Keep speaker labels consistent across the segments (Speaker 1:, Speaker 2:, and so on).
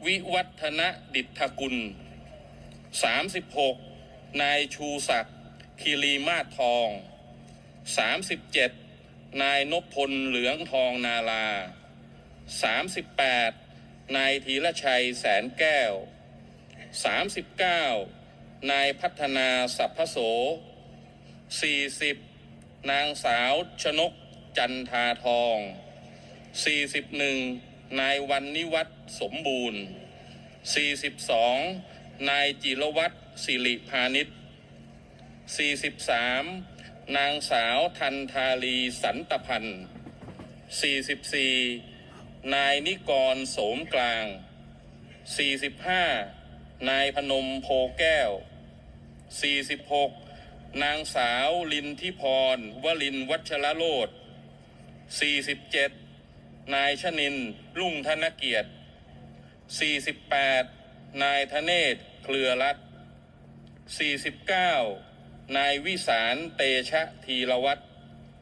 Speaker 1: วิวัฒนดิษฐกุล36นายชูศักดิ์คีรีมาศทอง37นายนพพลเหลืองทองนาลา38นายธีรชัยแสนแก้ว39นายพัฒนาสัพพโส40นางสาวชนกจันทาทอง41นายวันนิวัฒน์สมบูรณ์42นายจิรวัตรสิริพานิช43นางสาวทันธาลีสันตพันธ์44นายนิกรโสมกลาง45นายพนมโพแก้ว46นางสาวลินทิพรวลินวัชรโรจน์47นายชนินทร์รุ่งธนเกียรติ48นายธเนศเครือรัตน์49นายวิสารเตชะธีรวัตร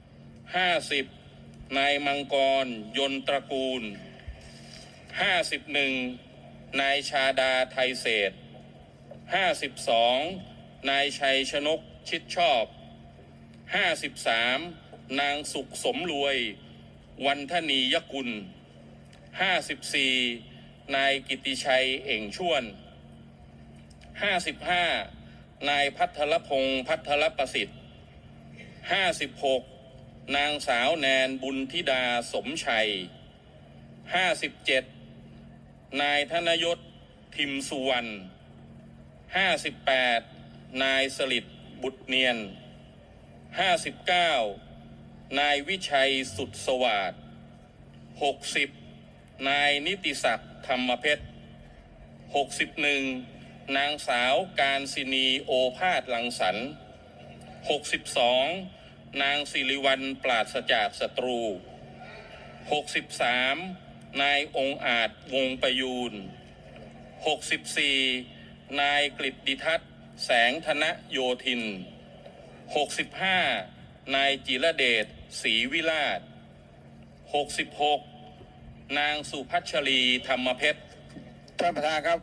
Speaker 1: 50นายมังกรยนตระกูล51นายชาดาไทยเศรษฐ์52นายชัยชนกชิดชอบ53นางสุขสมรวยวันธนียกุล54นายกิติชัยเอ่งช่วน55นายภัทรพงษ์ภัทรประสิทธิ์56นางสาวแนนบุญธิดาสมชัย57นายธนยศทิมสุวรรณ58นายสลิดบุตรเนียน59นายวิชัยสุดสวัสดิ์60นายนิติศักดิ์ธรรมเพชร61นางสาวการศินีโอภาสลังสรรค์62นางสิริวัลย์ปราศจากศัตรู63นายองค์อาจวงประยูร64นายกฤตติทัศน์แสงธนโยธิน65นายจิรเดชศรีวิราช66นางสุพัชรีธรรมเพชร
Speaker 2: ท่านประธานครับ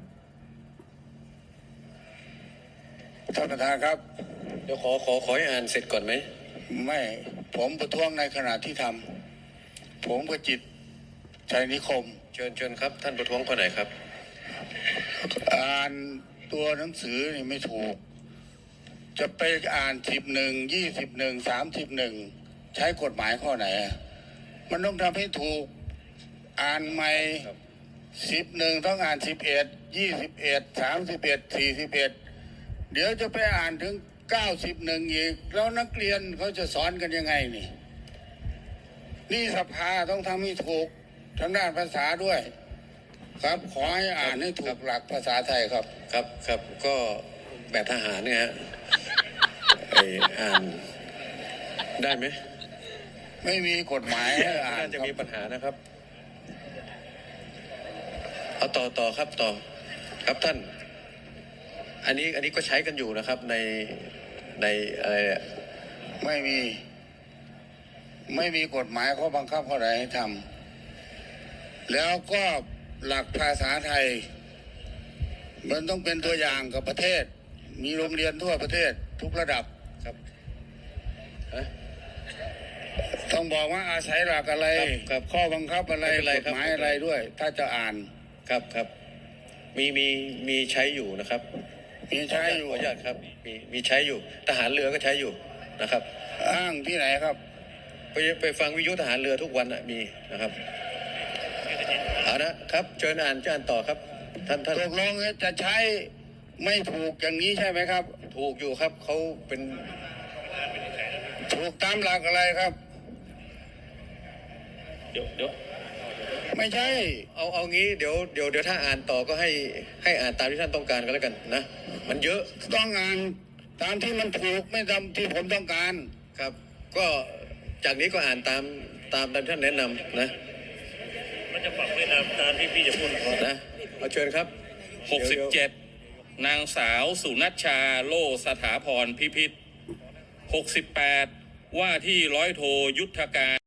Speaker 2: ท่านประธานครับ
Speaker 3: เดี๋ยวขอให้อ่านเสร็จก่อนไหม
Speaker 2: ไม่ผมประท้วงในขณะที่ทำผมประจิตรชัยนิคม
Speaker 3: เชิญครับท่านประท้วงคนไหนครับ
Speaker 2: อ่านตัวหนังสือนี่ไม่ถูกจะไปอ่าน11 21 31ใช้กฎหมายข้อไหนมันต้องทำให้ถูกอ่านใหม่11ต้องอ่าน11 21 31 41เดี๋ยวจะไปอ่านถึง91อีกแล้วนักเรียนเขาจะสอนกันยังไงนี่สภาต้องทำให้ถูกทางด้านภาษาด้วยครับขอให้อ่านให้ถูกหลักภาษาไทยครับ
Speaker 3: ครับก็แบบทหารเนี่ยฮะอ่านได้ไหม
Speaker 2: ไม่มีกฎหมายให้อ่าน
Speaker 3: น่าจะมีปัญหานะครับเอาต่อครับครับท่านอันนี้ก็ใช้กันอยู่นะครับในอะไร
Speaker 2: ไม่มีกฎหมายข้อบังคับข้อใดให้ทำแล้วก็หลักภาษาไทยมันต้องเป็นตัวอย่างกับประเทศมีโรงเรียนทั่วประเทศทุกระดับ
Speaker 3: ครับ
Speaker 2: ต้องบอกว่าอาศัยหลักอะไรข้อบังคับอะไรกฎหมายอะไรด้วยถ้าจะอ่าน
Speaker 3: ครับมีใช้อยู่นะครับ
Speaker 2: มีใช้อยู่
Speaker 3: ขออนุญาตครับมีใช้อยู่ทหารเรือก็ใช้อยู่นะครับ
Speaker 2: อ้างที่ไหนครับ
Speaker 3: ไปฟังวิทยุทหารเรือทุกวันมีนะครับเอานะครับเชิญอ่านต่อครับท่าน
Speaker 2: ตกลงจะใช้ไม่ถูกอย่างนี้ใช่ไหมครับ
Speaker 3: ถูกอยู่ครับเขาเป็น
Speaker 2: ถูกตามหลักอะไรครับ
Speaker 1: เดี๋ยว
Speaker 2: ไม่ใช่
Speaker 3: เอางี้เดี๋ยวถ้าอ่านต่อก็ให้อ่านตามที่ท่านต้องการก็แล้วกันนะมันเยอะ
Speaker 2: ต้องอ่านตามที่มันถูกไม่ตามที่ผมต้องการ
Speaker 3: ครับก็จากนี้ก็อ่านตามท่านแนะนำนะ
Speaker 1: มันจะปรับไปตามที่พี่จะพูด
Speaker 3: นะเอาเชิญครับ
Speaker 1: 67นางสาวสุนัชชาโลสถาพรพิพิธ68ว่าที่ร้อยโทยุทธการ